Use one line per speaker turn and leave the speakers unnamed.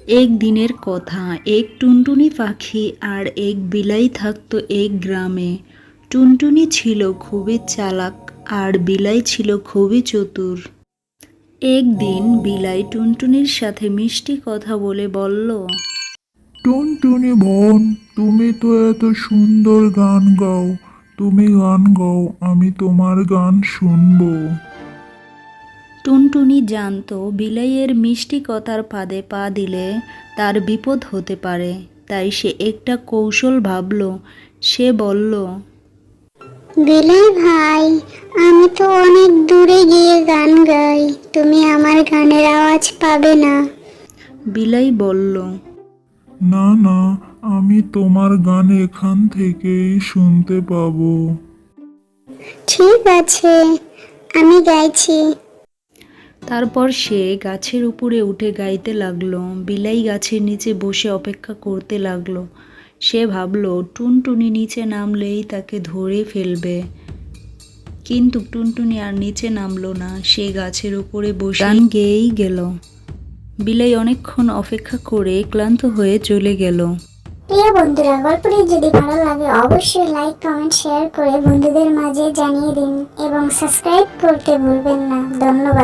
এক দিনের কথা, এক টুনটুনি পাখি আর এক বিলাই থাকতো এক গ্রামে। টুনটুনি ছিল খুবই চালাক আর বিলাই ছিল খুবই চতুর। একদিন বিলাই টুনটুনির সাথে মিষ্টি কথা বলে বলল,
টুনটুনি বোন, তুমি তো এত সুন্দর গান গাও। তুমি গান গাও, আমি তোমার গান শুনবো।
টুনটুনি জানতো বিলাইয়ের মিষ্টি কথার ফাঁদে পা দিলে তার বিপদ হতে পারে। তাই সে একটা কৌশল ভাবল। সে বলল,
বিলাই ভাই, আমি তো অনেক দূরে গিয়ে গান গাই, তুমি আমার গানের আওয়াজ পাবে না।
বিলাই বলল,
না না, আমি তোমার গান এখান থেকেই শুনতে পাবো।
ঠিক আছে, আমি গাইছি।
তারপর সে গাছের উপরে উঠে গাইতে লাগলো। বিলাই গাছের নিচে বসে অপেক্ষা করতে লাগলো। সে ভাবলো টুনটুনি নিচে নামলেই তাকে ধরে ফেলবে। কিন্তু টুনটুনি আর নিচে নামলো না। সে গাছের উপরে বসে গান গেয়েই গেল। বিলাই অনেকক্ষণ অপেক্ষা করে ক্লান্ত হয়ে চলে গেল।
প্রিয় বন্ধুরা, গল্পটি যদি ভালো লাগে অবশ্যই লাইক, কমেন্ট, শেয়ার করে বন্ধুদের মাঝে জানিয়ে দিন এবং সাবস্ক্রাইব করতে ভুলবেন না। ধন্যবাদ।